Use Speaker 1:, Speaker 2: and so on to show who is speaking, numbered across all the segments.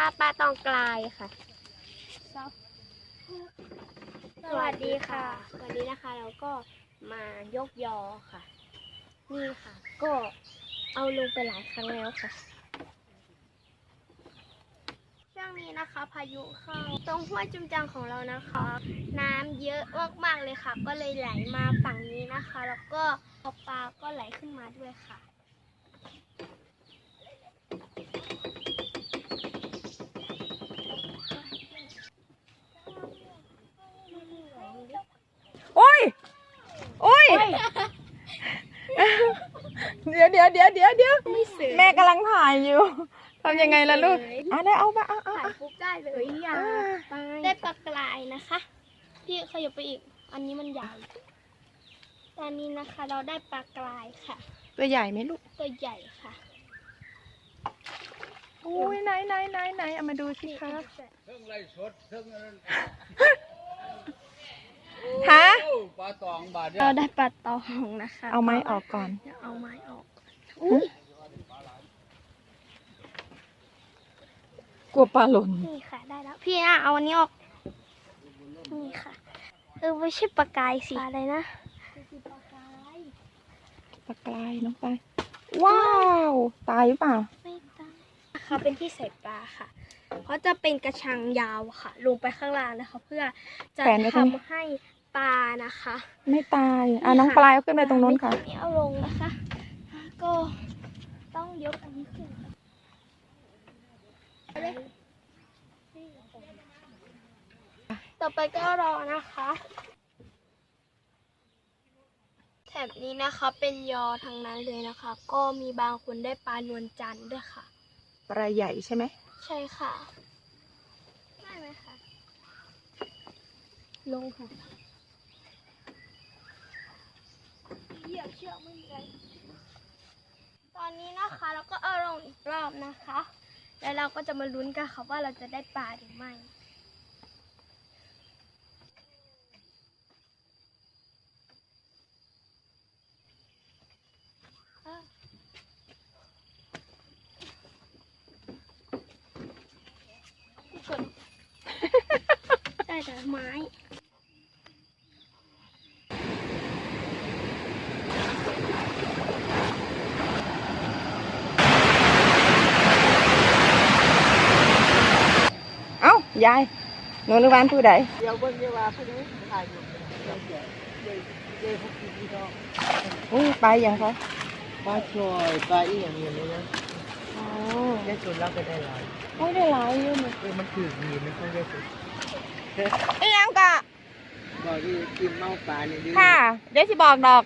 Speaker 1: ปลาตองกลายค่ะสวัสดีค่ะวันนี้นะคะเราก็มายกยอค่ะนี่ค่ะก็เอาลงไปหลายครั้งแล้วค่ะช่วงนี้นะคะพายุเข้าตรงห้วยจุมจังของเรานะคะน้ำเยอะมากๆเลยค่ะก็เลยไหลมาฝั่งนี้นะคะแล้วก็ปลาก็ไหลขึ้นมาด้วยค่ะ
Speaker 2: โอ้ยเดี๋ยวแม่กำลังถ่ายอยู่ทำยังไงล่ะลูกได้เอาไป
Speaker 1: ถ่ายปุ๊บได้เลยได้ปลากรายนะคะพี่ขยับไปอีกอันนี้มันใหญ่ตอนนี้นะคะเราได้ปลากรายค่ะ
Speaker 2: ตัวใหญ่ไหมลูก
Speaker 1: ตัวใหญ่ค่ะ
Speaker 2: อุ้ยไหนเอามาดูสิคะ
Speaker 3: เรื่องไรสดเรื่องนั้น
Speaker 2: ฮะ
Speaker 3: ปลาตองบาท
Speaker 1: เราได้ปลาตองนะคะ
Speaker 2: เอาไม้ออกก่อน
Speaker 1: เอาไม้ออก
Speaker 2: กลัวปลาหล่น
Speaker 1: นี่ค่ะได้แล้วพี่เอาอันนี้ออกนี่ค่ะไม่ใช่ปลากายสิอะไรนะ
Speaker 2: ปลากรายน้องไปว้าวตายหรือเปล่า
Speaker 1: ไม่ตายนะคะเป็นที่ใส่ปลาค่ะเพราะจะเป็นกระชังยาวค่ะลงไปข้างล่างนะคะเพื่อจะทำให้ปลานะคะ
Speaker 2: ไม่ตายน้องปลายเอาขึ้นไปตรงนู้นค่ะ
Speaker 1: นี่เอาลงนะคะก็ต้องยกอันนี้ขึ้นต่อไปก็รอนะคะแถบนี้นะคะเป็นยอทั้งนั้นเลยนะคะก็มีบางคนได้ปลานวลจันทร์ด้วยค่ะ
Speaker 2: ปลาใหญ่ใช่ไหม
Speaker 1: ใช่ค่ะได้ไหมคะลงค่ะเหยียบเชือกไม่มีอะไรตอนนี้นะคะเราก็เอาลงอีกรอบนะคะแล้วเราก็จะมาลุ้นกันค่ะว่าเราจะได้ปลาหรือไม่ได้แต่ไม้
Speaker 2: ยายหนูนึกว่าผู้ใด
Speaker 3: เดี๋ยวเบิ่งเดี๋ยวว่าผู้ใดถ่ายอยู่เดี๋ยวพวกพี่น้อง
Speaker 2: ไปอย่างเขา
Speaker 3: ปลาช่อยปลาอีอย่างนี้นะได้ส่วนเราก็ได้หลาย
Speaker 2: ได้หลายอยู่
Speaker 3: มันถือดีไม่ค่อยได้สุด
Speaker 2: ยังกะ
Speaker 3: บอกที่กินเมาปลาเนี่ย
Speaker 2: ค่ะเดี๋ยวสิบอกดอก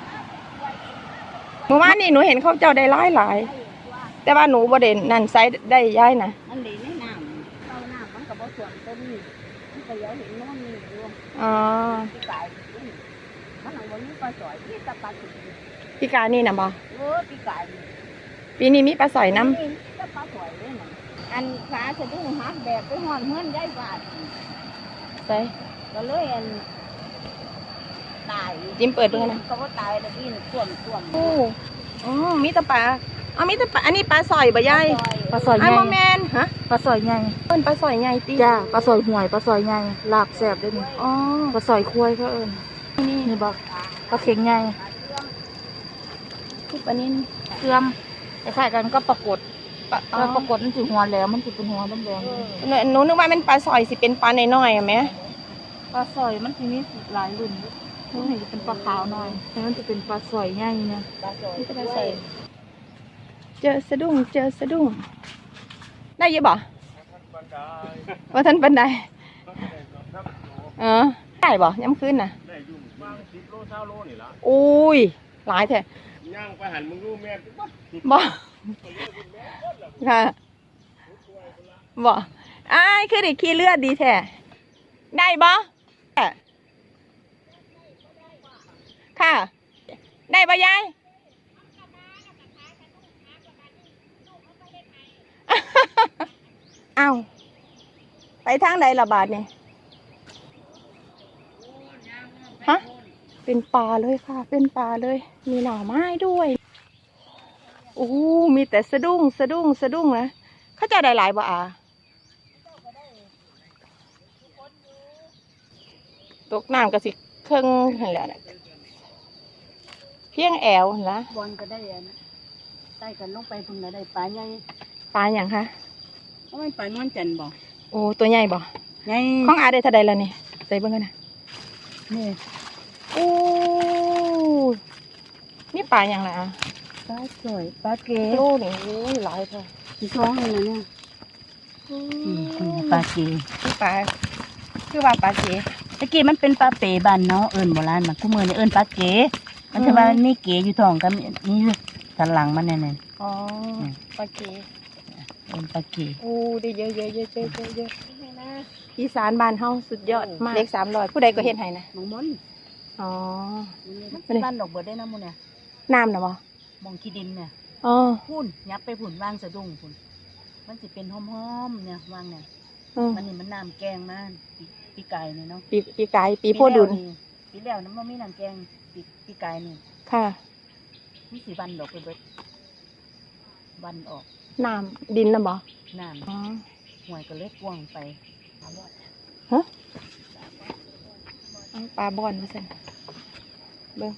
Speaker 2: เมื่อวานนี่หนูเห็นเขาเจ้าได้หลายแต่ว่าหนูบ่เด่นนั่นไซส์ได้ย้ายนะ
Speaker 1: อันนี้ในน้ำเอาน้ำมันกับบ่ส่วนต้นนี่มันก็ยังเห็นน้ำนี่อยู่พี่กายมันหลังวันนี้ปลาสอยที่ตะปลาสุด
Speaker 2: พี่กายนี่นะบ่
Speaker 1: พี่กาย
Speaker 2: ปีนี้มีปลาสอยน้
Speaker 1: ำตะปลาสอยเลยนะอันขาจะต้องหักแบบไปห่อนเฮือนได้บาด
Speaker 2: ใช่
Speaker 1: ก็เลยอันตาย
Speaker 2: จิ้มเปิดดูนะ
Speaker 1: ก็ตายแล้วพี่ส่วน
Speaker 2: มีตะปลามีแต่ปลาอันนี้ปลาสอยบ่ยาย
Speaker 1: ปลาสอยใหญ่
Speaker 2: โมเมนฮะ
Speaker 1: ปลาสอยใหญ่
Speaker 2: เป็นปลาสอยใหญ่ตี
Speaker 1: จ้าปลาสอยห่วยปลาสอยใหญ่ลาบแซ่บด้วยนี่ปลาสอยควายเขาเอิญนี่บอกปลาเข็งใหญ่
Speaker 2: ที่ปลานิ่น
Speaker 1: เครื่องคล้ายกันก็ปรากฏปรากฏมันถือหัวแล้วมันถือเป็นหัวแดง
Speaker 2: หนูนึกว่ามันปลาสอยสิเป็นปลาน้อยๆไหม
Speaker 1: ปลาสอยมันทีนี้หลายรุ่นมันเห็นจะเป็นปลาขาวหน่อยมันจะเป็นปลาสอยใหญ่นะปลาสอย
Speaker 2: เจอสะดุ้งได้ยังบ่ว่าท่านปันใดได้บ่ย้ำขึ้นน่ะ
Speaker 3: ได้ยุ่งบาง10 โล 20 โลนี่ละ
Speaker 2: อุ้ยหลายแท้
Speaker 3: ย่างไปหันมึงรู้แม่
Speaker 2: บ่ค่ะบ่คือเด็กขี้เลือดดีแท้ได้บ่ค่ะได้บ่ยายอ้าวไปทางใดละบาทนี่ฮะเป็นปลาเลยค่ะเป็นปลาเลยมีหน่อไม้ด้วยมีแต่สะดุ้งนะเขาจะได้หลายบ่ตกน้ำก็สิเครื่องหั่นแหล้วนะเพียงแอวหั่นละ
Speaker 4: บอลก็ได้อันใต้กันลงไปพุ่นน่ะได้ปลาใหญ่
Speaker 2: ปลาอย่างคะ
Speaker 4: เพราะมันปลานวลจันทร์บ่
Speaker 2: โอ้ตัวใหญ่บ่
Speaker 4: ใหญ่
Speaker 2: ของอาได้เท่าใดแล้วนี่ใส่เบิ่งกันนะ
Speaker 4: นี่
Speaker 2: โอ้นี่ปลาอย่างไรอ่ะ
Speaker 4: ปลาสวยปลาเก๋
Speaker 2: โลนี่โอ้ยหลายเท่า
Speaker 4: ที่ท้องเลยนะเนี่ยปลาเก๋
Speaker 2: คือปลาคือว่าปลาเก๋
Speaker 4: ตะกี้มันเป็นปลาเป๋บ้านเนาะเอิ้นโบราณมันคู่มือนี่เอิ้นปลาเก๋มันจะว่ามันมีเก๋อยู่ท้องกับนี่สันหลังมันแน่ๆ
Speaker 2: อ๋อปลาเก๋
Speaker 4: เอิ้นปลาเก๋
Speaker 2: โอ้ได้เยอะเยอะเยอะเยอะเยอะเยอะอีสานบ้านเฮาสุดยอดมากเลข300ผู้ใดก็เฮ็ดให้นะ
Speaker 4: มองมน
Speaker 2: อ๋อ
Speaker 4: มันเป็นบ้านดอกเบิดได้นะมูเนี่ย
Speaker 2: น้ำน่ะบ่
Speaker 4: มองขี้ดินเนี่ย
Speaker 2: อ๋อ
Speaker 4: พุ่นยับไปพุ่นวางสะดุ้งพุ่นมันสิเป็นหอมๆเนี่ยวางเนี่ย
Speaker 2: อืม
Speaker 4: มันนี่มันน้ำแกงมาปีไก่เนี่ยเนาะ
Speaker 2: ปีกายปีโพดุล
Speaker 4: ปีแล้วน้ำมันมีน้ำแกงปีไก่นี่
Speaker 2: ค่ะ
Speaker 4: มีสีวันดอกไปเบิดวันออก
Speaker 2: น้ำดินน่ะบ่
Speaker 4: น้
Speaker 2: อ๋อ
Speaker 4: ำห่วยก็เล็กกวางไป
Speaker 2: ฮะเอาปลาบอนมาสั่นเบิ่ง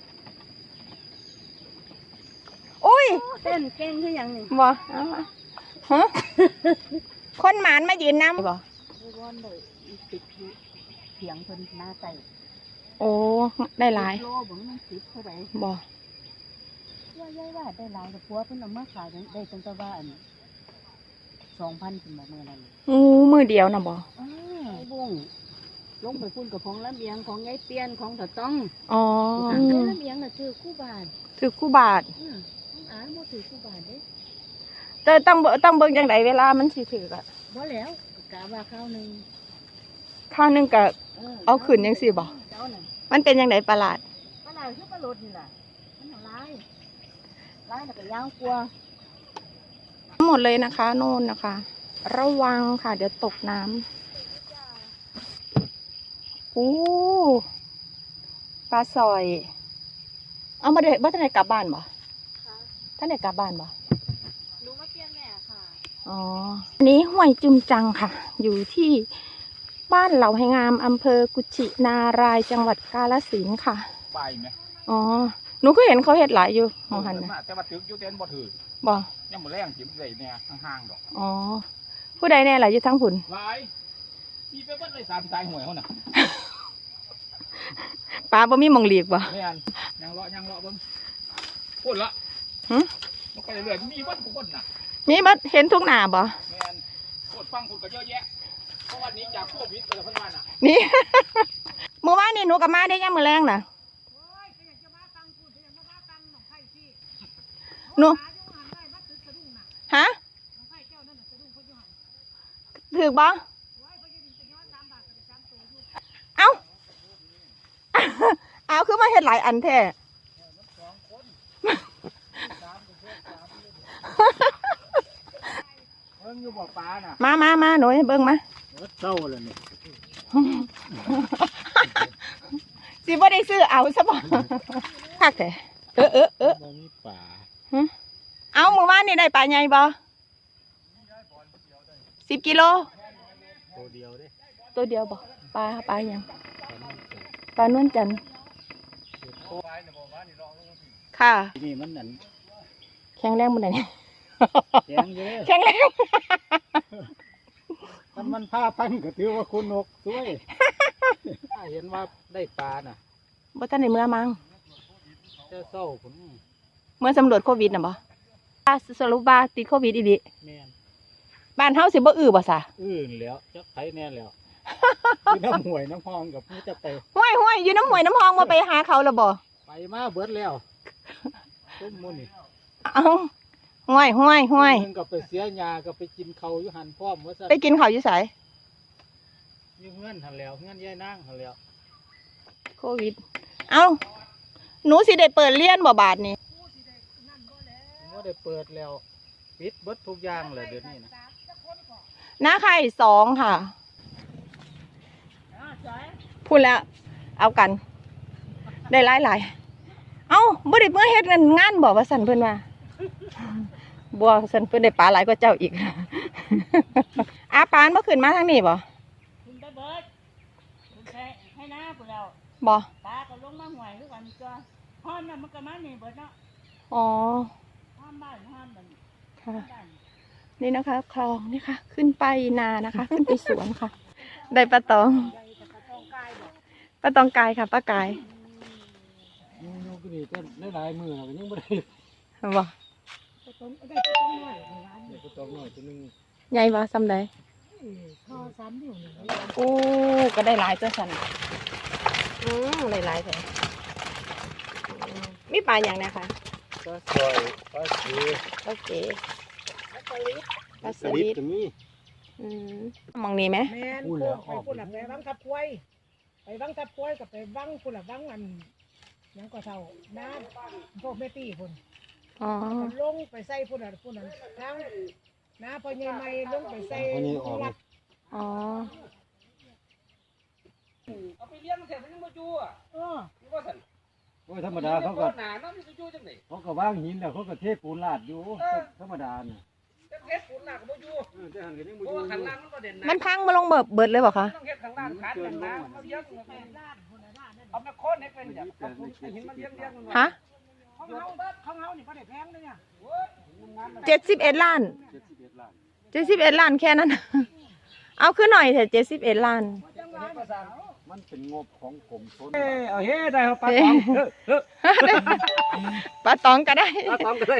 Speaker 2: อุ้ย
Speaker 4: เต้นแกงคือหยังนี่
Speaker 2: บ่เอามาฮะ คนหมานมายืนน้ำบ่
Speaker 4: ไม่ร้อนเลยอีติดอยู่เถียงเพิ่นหน้าไก่
Speaker 2: โอ้ ได้หลาย
Speaker 4: โลบ่มันติดเท่าไหร่
Speaker 2: บ่
Speaker 4: ว่าย่ายว่าได้หลายแต่ผัวเพิ่นเอามาขายได้ตั้งแต่ว่าอัน2,000ถึงมื้อนั้น
Speaker 2: มือเดียวน่ะบ่
Speaker 4: บุ้งลงไปพุ่นกับของลำเอียงของไงเปียนของถอต้อง
Speaker 2: อ๋อ
Speaker 4: ลำเอียงน่ะถือคู่บาท
Speaker 2: ถือคู่บาท
Speaker 4: อ่านบ่ถือคู่บาทเด้
Speaker 2: แต่ต้องเบิ่งจังไดเวลามันสิถือกะ
Speaker 4: บ่แล้วกะว่าข้าวหนึง
Speaker 2: ข้าวหนึงกะ เอาขึ้นจังซี่บ่
Speaker 4: เจ้าน่ะ
Speaker 2: มันเป็นจังไดประหลาด
Speaker 4: ปลาไหลคือปลาโลดนี่ล่ะมันหลายแล้วก็ยาวกว่า
Speaker 2: หมดเลยนะคะโน่นนะคะ ระวังค่ะ เดี๋ยวตกน้ำอู้ปลาสอย เอามาเด็กว่าท่านไหนกลับบ้านบ่ท่านไหนกลับบ้านบ่
Speaker 4: หนูมาเปลี่ยนแม่ค่ะ
Speaker 2: อ๋ออันนี้ห้วยจุมจังค่ะ อยู่ที่บ้านเหล่าไหงามอำเภอกุชินารายจังหวัดกาฬสินธุ์ค่ะ
Speaker 5: ไปไหม
Speaker 2: อ๋อ หนูก็เห็นเขาเห็ดหลายอยู่มองหันนะ
Speaker 5: แต่ว่าถึงอยู่เต้นบ่ถือ
Speaker 2: บ่
Speaker 5: ยังบ่แรงจิบได้เนี่ยห่างๆดอก
Speaker 2: อ๋อ ผู้ใดแน่หลายอยู่ทั้งผุน
Speaker 5: หลายมีไปเบิดเลย3สายหวยเขาน่ะ
Speaker 2: ปลาบ่มีหมองหลีกบ่
Speaker 5: แม่นยังเลาะเบิ่งพูดละ
Speaker 2: หึ
Speaker 5: มันไปเรื่อยๆมีเบิดทุกคนน่ะ
Speaker 2: มีบัดเห็นทุกหน้าบ่
Speaker 5: แม่นพูดฟังพูดก็เยอะแยะเพราะวันนี้จากโควิดแต่ละพันวันน่ะ
Speaker 2: นี่ เมื่อวานนี่หนูกับมาได้ยังมื้อแรงน่ะหนูฮะถือบ่เอ้า เอาคือมาเฮ็ดหลายอันแท้
Speaker 5: เบิ่งอยู่บ่ปลาน่ะ
Speaker 2: มาหนูให้เบิ่งมา
Speaker 5: เศร้าเลยนี่
Speaker 2: สิบ่ได้ซื้อเอาซะบ่ คักแท้เออ
Speaker 5: บ่มีปลา
Speaker 2: เอามื้อวานนี่ได้ปลาใหญ่บ่10 กิโล
Speaker 5: ตัวเดียวเด้
Speaker 2: ตัวเดียวบ่ปลาหยังปลานวลจันทร์ค่ะ
Speaker 5: นี่มันนั่น
Speaker 2: แข็งแรงบ่ได้เนี่ย
Speaker 5: แข็งอยู่เด้
Speaker 2: แข็งแรง
Speaker 5: มันผ้าพันก็ถือว่าคุณนกสวย ถ้าเห็นว่าได้ปลาน่ะ
Speaker 2: บ่ทันได้เมื่อมั้ง
Speaker 5: เจ้าเศร้าผม
Speaker 2: เมื่อสำรวจโควิดน่ะบ่สรุปว่าติดโควิดอีหลี
Speaker 5: แม่น
Speaker 2: บ้านเฮาสิบ่อื้อบ่ซะ
Speaker 5: อื่นแล้วจักไผแน่แล้ว อยู่น้ำห่วยน้ำพองกับผู้จะไป
Speaker 2: ห้วยอยู่น้ำห้วยน้ำหองบ่ไปหาเขาแล้วบ่
Speaker 5: ไปมาเบิดแล้วต้มมุนี่
Speaker 2: เอ้าห้วย
Speaker 5: มึงก็ไปเสียยาก็ไปกินเขาวอยู่หันพร้อมว่าซะ
Speaker 2: ไปกินข้าวอยู่ไส
Speaker 5: อยู่เงื่อนหันแล้วเงื่อนย่ายนั่งหันแล้ว
Speaker 2: โควิด เอ้าหนูสิได้เปิดเรียนบ่บาดนี้
Speaker 5: ผมว่าได้เปิดแล้วปิดเบิดทุกอย่างเลยเดี๋ยวนี้นะ
Speaker 2: หน้าไข่2ค่ะ พูดแล้ว เอากัน ได้หลาย เอ้าบ่ได้เมื่อเฮ็ดงานบ่ว่าสั่นเพิ่นว่าบ่สั่นเพิ่นได้ปลาหลายกว่าเจ้าอีก อาปานบ่ขึ้นมาทางนี้บ่
Speaker 4: คุณไปเบิดคุณให้น้
Speaker 2: บ่
Speaker 4: ปลาก็ลงมาห่วยคือกันก็ฮ้อนน่ะมันก็มานี่เบิดเนาะ
Speaker 2: อ๋อ
Speaker 4: ฮ้อนบ้านฮ้อนบ้าน
Speaker 2: ค่ะ
Speaker 4: บ้าน
Speaker 2: นี่นะคะคลองนี่ค่ะ ขึ้นไปนานะคะ ขึ้นไปสวนค่ะ ได้ปลาตองปลาตองกายค่ะป้ากาย
Speaker 5: ยูกินี่ก็ได้หลายมือแล้วก็ยังไม่ได้
Speaker 2: บ่
Speaker 5: ก็ต้องหน่อยตัวนึง
Speaker 2: ใหญ่บ่ซ้ำใดโอ้ก็ได้หลายตัวสันได้หลายแท้มีปลาอย่างไรคะ
Speaker 5: ปลาสอยปลาสี
Speaker 2: โอเคปลาส
Speaker 5: สลิ
Speaker 2: ลิ
Speaker 5: ด
Speaker 2: ด
Speaker 5: จะมี
Speaker 2: มองนี่ไหม
Speaker 3: แม่น
Speaker 5: พูดแล้ว
Speaker 3: ไปพูดละไปวังทับกล้วยไปวังทับกล้วยกับไปวังพูดละวังอันหยังก็เท่าน้ำพวกแม่ตี้พุ่น
Speaker 2: อ๋อ
Speaker 3: ลงไปใส่พุ่นน่ะทั้งน้าพอใหญ่ใหม่ลงไปใส่
Speaker 5: วันนี้ออก
Speaker 3: วัด
Speaker 2: อ๋อ
Speaker 6: เอาไปเลี้ยงมันแถมมันยังมาจูอ่ะ
Speaker 3: เออ
Speaker 6: นี่ว่าสัน
Speaker 5: โอ้ยธรรมดาเขาก็
Speaker 6: หนาเนาะมันจะจูจังไหน
Speaker 5: เขาก็ว่างหินแล้วเขาก็เทปูนลาดอยู่ธรรมดาน่ะ
Speaker 6: จังเฮ็ดฝุ่นหนักบ่จู
Speaker 5: แต่หันกันยัง
Speaker 6: เพ
Speaker 5: บ่
Speaker 6: ราะ
Speaker 5: อยู่
Speaker 6: ว่าขันล่างมันก็เด่นนะ
Speaker 2: มันพังมาลงเบิดเลยบ่คะ
Speaker 6: ต้องเฮ็ดข้างล่างขาดกันนะมาเลี้ยงเอามาโค่นให้เป็นอย่างเอาหินมาเลี้ยงมัน
Speaker 2: ฮะ
Speaker 3: ของเฮานี่บ่ได้แพงเลยเนี่ย
Speaker 2: 71 ล้าน
Speaker 5: 71 ล้าน
Speaker 2: 71 ล้านแค่นั้น เอาขึ้นหน่อยเถอะ71 ล้าน
Speaker 5: มันเป็นงบของกรมชนเอาเฮ้ได้เอาปลาตอง
Speaker 2: ปลาตองก็ได้
Speaker 6: ปลาตองก็เลย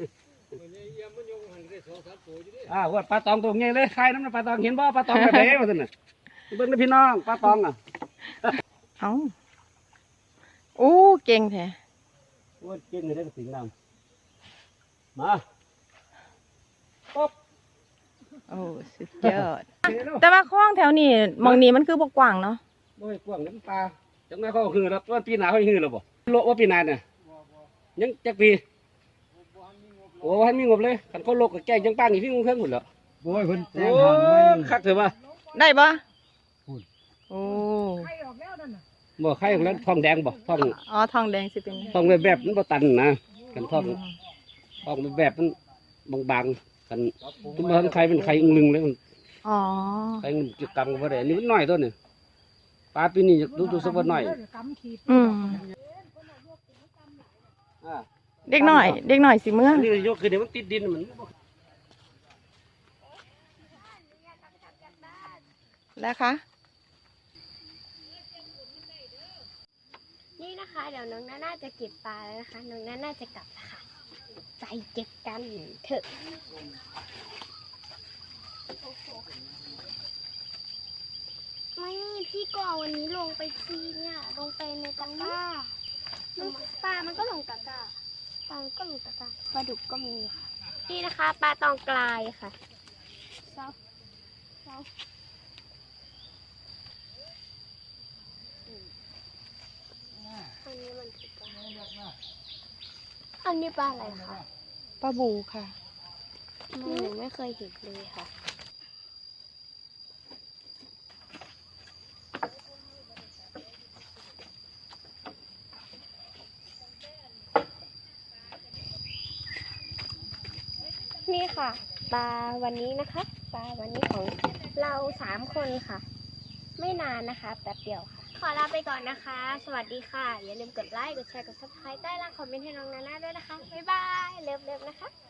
Speaker 6: ว่าปลาตองตัวใหญ่เลยใครน้ำปลาตองเห็นบ่ปลาตองแบบไหนว่าซั่นน่ะเบิ่งพี่น้องปลาตองอ่ะ
Speaker 2: เอาโอ้เก่งแท้
Speaker 6: ว่าเก่งได้สิ่งนั้นมาป๊บ
Speaker 2: โอ้สุดยอด แต่ว่าคลองแถวนี้หมองนี้มันคือบ่กว้างเนาะ
Speaker 6: บ่ให้กว้างน้ำปลาจังได๋เขาฮือแล้วว่าปีหน้าเขาฮือแล้วบ่โลว่าปีหน้าเนี่ยยังจักปีโอ้ให้มีงบเลยคันเขาโลกก็แจ้งจังป้างนี่พี่งงเครื่องหมดแล้ว
Speaker 5: โอ้ยเพิ่นแจ้
Speaker 6: โอ้
Speaker 5: งทางไว้
Speaker 6: คักเถอะว่า
Speaker 2: ได้ปะ
Speaker 5: พูด
Speaker 2: โอ้
Speaker 3: ไข่ออกแล้วนั่นน่ะ
Speaker 6: บ่ใครของนั้นทองแดงบ่ทอง
Speaker 2: อ๋อทองแดงสิเป็น
Speaker 6: ทองแบบมันบ่ตันนะกันทองแบบมันบางๆกันทุกมันใครเป็นใครอึงลึงเลยมัน
Speaker 2: อ๋อ
Speaker 6: ใครมันจะกังบ่ได้อันนี้มันน้อยตัวนี่ปลาปีนี้ดูสักว่าน้อย
Speaker 3: กำขีด
Speaker 2: อืม
Speaker 6: อ่า
Speaker 2: เด็กหน่อยสิเมื่อ
Speaker 6: อันนี้ยกขึ้นเดี๋ยวมันติดดินมัน
Speaker 2: แล้วคะ
Speaker 1: นี่นะคะ เดี๋ยวน้องน่าจะเก็บปลาแล้วนะคะ น้องน่าจะกลับแล้วค่ะไปเก็บกันเถอะไม่พี่ก่อวันนี้ลงไปทีเนี่ยลงไปในตะกร้าปลามันก็ลงตะกร้าปลามันก็ลงตะกร้าปลาดุกก็มีค่ะนี่นะคะปลาตองกลายค่ะเซาอันนี้มันคือปลาอันนี้ปลาอะไรคะ
Speaker 2: ป้าบูค่ะ
Speaker 1: หนูไม่เคยเห็นเลยค่ะนี่ค่ะปลาวันนี้นะคะปลาวันนี้ของเรา3 คนค่ะ ไม่นานนะคะแป๊บเดียวค่ะ ขอลาไปก่อนนะคะ สวัสดีค่ะ อย่าลืมกดไลค์ กดแชร์ กด subscribe ใต้ล่างคอมเมนต์ให้น้องนาน่าด้วยนะคะ บ๊ายบาย เลิฟๆนะคะ